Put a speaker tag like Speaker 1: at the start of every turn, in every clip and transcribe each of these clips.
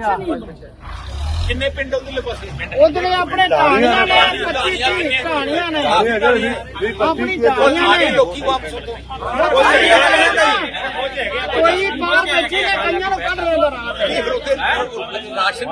Speaker 1: ਕਿੰਨੇ ਪਿੰਡ ਉਧਰਲੇ ਪਾਸੇ?
Speaker 2: ਉਧਰੇ ਆਪਣੇ ਢਾਣੀਆਂ ਨੇ 25 ਢਾਣੀਆਂ ਨੇ ਆਪਣੀ ਢਾਣੀਆਂ ਨੇ
Speaker 1: ਲੋਕੀ ਵਾਪਸ ਉਤੋਂ
Speaker 2: ਕੋਈ ਬਾਹਰ ਬੈਠੇ ਨੇ ਕਈਆਂ ਨੂੰ ਕੱਢ ਰਹੇ ਨੇ ਰਾਤ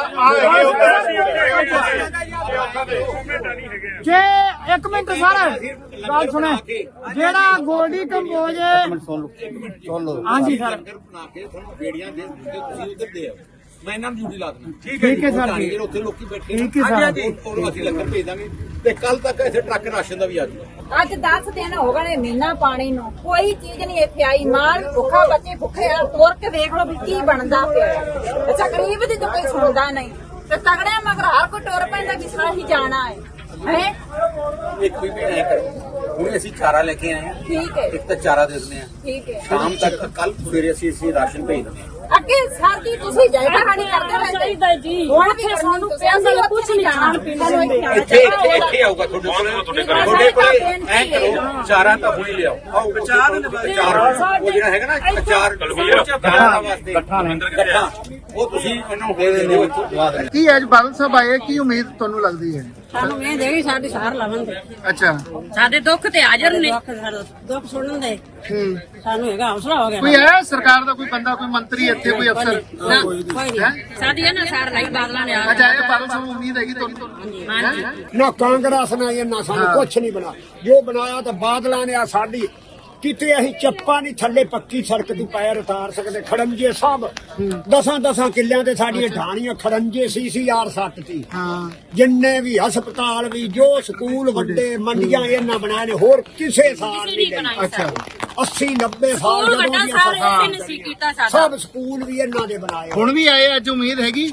Speaker 2: ਜੇ 1 ਮਿੰਟ ਸਰ ਗੱਲ ਸੁਣੇ ਜਿਹੜਾ ਗੋਲਡੀ ਕੰਬੋਜ
Speaker 3: ਸੁਣ ਲਓ
Speaker 2: ਹਾਂਜੀ ਸਰ
Speaker 1: ਬਣਾ ਕੇ ਤੁਹਾਨੂੰ ਬੇੜੀਆਂ ਦੇ ਤੁਸੀਂ ਉਧਰ ਦੇ ਆਓ ਮੈਂ ਇਹਨਾਂ ਨੂੰ ਡਿਊਟੀ ਲਾ ਦਿੰਦਾ
Speaker 2: ਠੀਕ ਹੈ ਸਰ ਜੀ
Speaker 1: ਉੱਥੇ ਲੋਕੀ ਬੈਠੇ
Speaker 2: ਠੀਕ ਹੈ ਸਰ
Speaker 1: ਉਹਨੂੰ ਅਸੀਂ ਲੰਗਰ ਭੇਜ ਦਾਂਗੇ ਤੇ ਕੱਲ ਤੱਕ ਇੱਥੇ ਟਰੱਕ ਰਾਸ਼ਨ ਦਾ ਵੀ ਆ ਜਾਊਗਾ
Speaker 4: ਅੱਜ 10 ਦਿਨ ਹੋ ਗਏ ਮਹੀਨਾ ਪਾਣੀ ਨੂੰ ਕੋਈ ਚੀਜ਼ ਨਹੀਂ ਇੱਥੇ ਆਈ ਮਾਲ ਭੁੱਖਾ ਬੱਚੇ ਭੁੱਖੇ ਆ ਤੋਰ ਕੇ ਦੇਖ ਲਓ ਵੀ ਕੀ ਬਣਦਾ ਪਿਆ ਅੱਛਾ ਗਰੀਬ ਦੀ ਤਾਂ ਕੋਈ ਸੁਣਦਾ ਨਹੀਂ ਤੇ ਤਗੜਿਆਂ ਮਗਰ ਹਰ ਕੋਈ ਟੁਰ ਪੈਂਦਾ ਕਿ ਸਾਰਾ ਹੀ ਜਾਣਾ ਹੈ
Speaker 1: ਇੱਕ ਵੀ ਨਹੀਂ ਕਰੋ ਹੁਣ ਅਸੀਂ ਚਾਰਾ ਲੈ ਕੇ ਆਏ ਹਾਂ
Speaker 4: ਠੀਕ ਹੈ
Speaker 1: ਇੱਕ ਤਾਂ ਚਾਰਾ ਦੇ ਦਿੰਦੇ ਆ
Speaker 4: ਠੀਕ ਹੈ
Speaker 1: ਸ਼ਾਮ ਤੱਕ ਕੱਲ ਸਵੇਰੇ ਅਸੀਂ ਰਾਸ਼ਨ ਭੇਜ ਦਿੰਦੇ ਹਾਂ
Speaker 4: ਅੱਗੇ ਸਰਦੀ ਤੁਸੀਂ ਜਾਇਦਾ ਖਾਣੀ ਕਰਦੇ ਰਹਿੰਦੇ ਚਾਹੀਦਾ ਜੀ ਹੁਣ ਵੀ ਸਾਨੂੰ ਪੈਸੇ ਦਾ ਕੁਝ ਨਹੀਂ ਖਾਣ ਪੀਣ ਨੂੰ
Speaker 1: ਇੱਥੇ ਆਊਗਾ ਤੁਹਾਡੇ ਕੋਲੇ ਐ ਕਰੋ ਚਾਰਾ ਤਾਂ ਹੁਣੇ ਲਿਆਓ ਆਓ ਚਾਰ ਉਹ ਜਿਹੜਾ ਹੈਗਾ ਨਾ ਚਾਰ ਵਾਸਤੇ ਇਕੱਠਾ ਉਹ ਤੁਸੀਂ ਉਹਨੂੰ ਦੇ ਦਿਓ
Speaker 3: ਕੀ ਅੱਜ ਬਾਦਲ ਸਾਹਿਬ ਆਏ ਕੀ ਉਮੀਦ ਤੁਹਾਨੂੰ ਲੱਗਦੀ ਹੈ?
Speaker 5: ਸਾਨੂੰ ਇਹ ਦੇਗੀ ਸਾਡੀ ਸਾਰ ਲਵਣਗੇ
Speaker 3: ਅੱਛਾ
Speaker 5: ਸਾਡੇ ਦੁੱਖ ਤੇ ਹਾਜ਼ਰ ਨੇ ਦੁੱਖ ਸੁਣਨ ਦੇ ਸਾਨੂੰ ਹੈਗਾ ਹੌਸਲਾ ਹੋ ਗਿਆ
Speaker 3: ਕੋਈ ਹੈ ਸਰਕਾਰ ਦਾ ਕੋਈ ਬੰਦਾ ਕੋਈ ਮੰਤਰੀ ਇੱਥੇ ਕੋਈ ਅਫਸਰ
Speaker 5: ਕੋਈ ਨਹੀਂ ਸਾਡੀ ਇਹਨਾਂ ਸਾਰ ਲਈ ਬਾਦਲਾਂ ਨੇ ਆ
Speaker 3: ਅੱਛਾ ਇਹ ਬਾਦਲ ਸਾਹਿਬ ਉਮੀਦ ਹੈਗੀ ਤੁਹਾਨੂੰ?
Speaker 6: ਨਾ ਕਾਂਗਰਸ ਨੇ ਇਹਨਾਂ ਸਾਨੂੰ ਕੁਛ ਨਹੀਂ ਬਣਾ ਜੋ ਬਣਾਇਆ ਤਾਂ ਬਾਦਲਾਂ ਨੇ ਆ ਸਾਡੀ ਕਿਤੇ ਅਸੀਂ ਚੱਪਾ ਨਹੀਂ ਥੱਲੇ ਪੱਕੀ ਸੜਕ ਦੀ ਪੈਰ ਉਤਾਰ ਸਕਦੇ ਖੜੰਜੇ ਸਭ 10 ਕਿੱਲਿਆਂ ਤੇ ਸਾਡੀਆਂ ਢਾਣੀਆਂ ਖੜੰਜੇ CCR 7 ਸੀ ਜਿੰਨੇ ਵੀ ਹਸਪਤਾਲ ਵੀ ਜੋ ਸਕੂਲ ਵੱਡੇ ਮੰਡੀਆਂ ਇਹਨਾਂ ਬਣਾਏ ਨੇ ਹੋਰ ਕਿਸੇ ਸਾਲ ਨਹੀਂ
Speaker 3: ਅੱਛਾ
Speaker 6: 80-90 ਸਾਲ ਜਦੋਂ ਦੀਆਂ ਸਰਕਾਰ ਸਭ ਸਕੂਲ ਵੀ ਇਹਨਾਂ ਦੇ ਬਣਾਏ
Speaker 3: ਹੁਣ ਵੀ ਆਏ ਅੱਜ ਉਮੀਦ ਹੈਗੀ?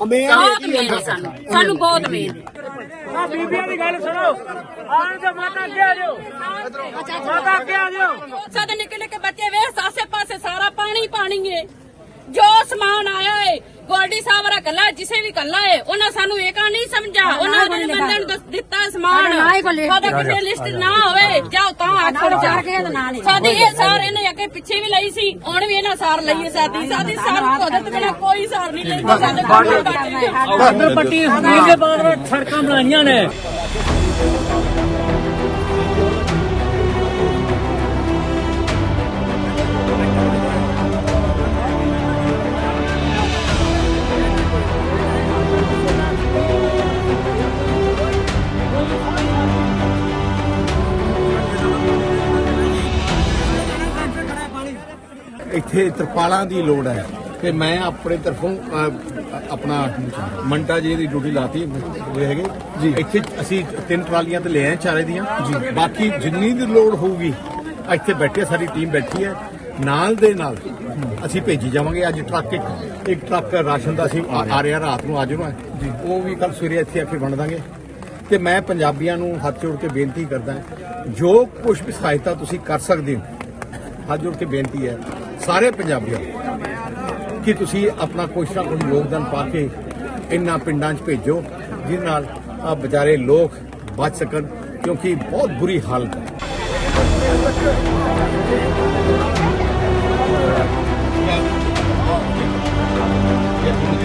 Speaker 5: ਸਾਨੂੰ ਬਹੁਤ ਉਮੀਦ
Speaker 2: ਆ ਬੀਬੀਆਂ ਦੀ ਗੱਲ ਸੁਣੋ ਆਣ ਤੇ ਮਾਤਾ ਅੱਗੇ ਆ ਜਾਓ ਮਾਤਾ ਅੱਗੇ ਆ ਜਾਓ
Speaker 5: ਸਾਡੇ ਨਿੱਕੇ ਨਿੱਕੇ ਬੱਚੇ ਵੇਖ ਆਸੇ ਪਾਸੇ ਸਾਰਾ ਪਾਣੀ ਪਾਣੀ ਏ ਜੋ ਸਮਾਨ ਆਇਆ ਏ ਗੋਲਡੀ ਸਾਹਿਬ ਰਾ ਕੱਲਾ ਜਿਸੇ ਵੀ ਕੱਲਾ ਏ ਉਹਨਾਂ ਸਾਨੂੰ ਇਹ ਕਾ ਨਹੀਂ ਸਮਝਾ ਉਹਨਾਂ ਨੇ ਬੰਦੇ ਨੂੰ ਦਿੱਤਾ ਸਮਾਨ ਸਾਡਾ ਕਿਸੇ ਲਿਸਟ ਨਾ ਹੋਵੇ ਜਾਓ ਤਾਂ ਆਖੜ ਚਾਰ ਕੇ ਨਾ ਨਹੀਂ ਸਾਡੀ ਇਹ ਸਾਰ ਇਹਨੇ ਅੱਗੇ ਪਿੱਛੇ ਵੀ ਲਈ ਸੀ ਹੁਣ ਵੀ ਇਹਨਾਂ ਸਾਰ ਲਈਏ ਸਾਡੀ ਸਾਰ ਕੋਦਤ ਬਿਨਾ ਕੋਈ ਸਾਰ ਨਹੀਂ ਲੈਂਦਾ ਸਾਡੇ
Speaker 2: ਬਾਰਡਰ ਪੱਟੀ ਹਮੀਰ ਦੇ ਬਾਅਦ ਸੜਕਾਂ ਬਣਾਈਆਂ ਨੇ
Speaker 1: ਇੱਥੇ ਤਰਪਾਲਾਂ ਦੀ ਲੋੜ ਹੈ ਤੇ ਮੈਂ ਆਪਣੇ ਤਰਫੋਂ ਆਪਣਾ ਮੰਟਾ ਜੀ ਦੀ ਡਿਊਟੀ ਲਾਤੀ ਹੈਗੇ ਜੀ ਇੱਥੇ ਅਸੀਂ 3 ਟਰਾਲੀਆਂ ਤੇ ਲੈ ਆਏ ਚਾਰੇ ਦੀਆਂ ਜੀ ਬਾਕੀ ਜਿੰਨੀ ਦੀ ਲੋੜ ਹੋਊਗੀ ਇੱਥੇ ਬੈਠੇ ਸਾਡੀ ਟੀਮ ਬੈਠੀ ਹੈ ਨਾਲ ਦੇ ਨਾਲ ਅਸੀਂ ਭੇਜੀ ਜਾਵਾਂਗੇ ਅੱਜ ਟਰੱਕ ਇੱਕ ਟਰੱਕ ਰਾਸ਼ਨ ਦਾ ਅਸੀਂ ਆ ਰਿਹਾ ਰਾਤ ਨੂੰ ਅੱਜ ਨੂੰ ਜੀ ਉਹ ਵੀ ਕੱਲ ਸਵੇਰੇ ਇੱਥੇ ਆ ਕੇ ਵੰਡ ਦਾਂਗੇ ਤੇ ਮੈਂ ਪੰਜਾਬੀਆਂ ਨੂੰ ਹੱਥ ਜੋੜ ਕੇ ਬੇਨਤੀ ਕਰਦਾ ਜੋ ਕੁਝ ਵੀ ਸਹਾਇਤਾ ਤੁਸੀਂ ਕਰ ਸਕਦੇ ਹੋ ਹੱਥ ਜੋੜ ਕੇ ਬੇਨਤੀ ਹੈ ਸਾਰੇ ਪੰਜਾਬੀਆਂ ਕਿ ਤੁਸੀਂ ਆਪਣਾ ਕੁਛ ਨਾ ਕੁਛ ਯੋਗਦਾਨ ਪਾ ਕੇ ਇਹਨਾਂ ਪਿੰਡਾਂ 'ਚ ਭੇਜੋ ਜਿਸ ਨਾਲ ਆ ਵਿਚਾਰੇ ਲੋਕ ਬਚ ਸਕਣ ਕਿਉਂਕਿ ਬਹੁਤ ਬੁਰੀ ਹਾਲਤ ਹੈ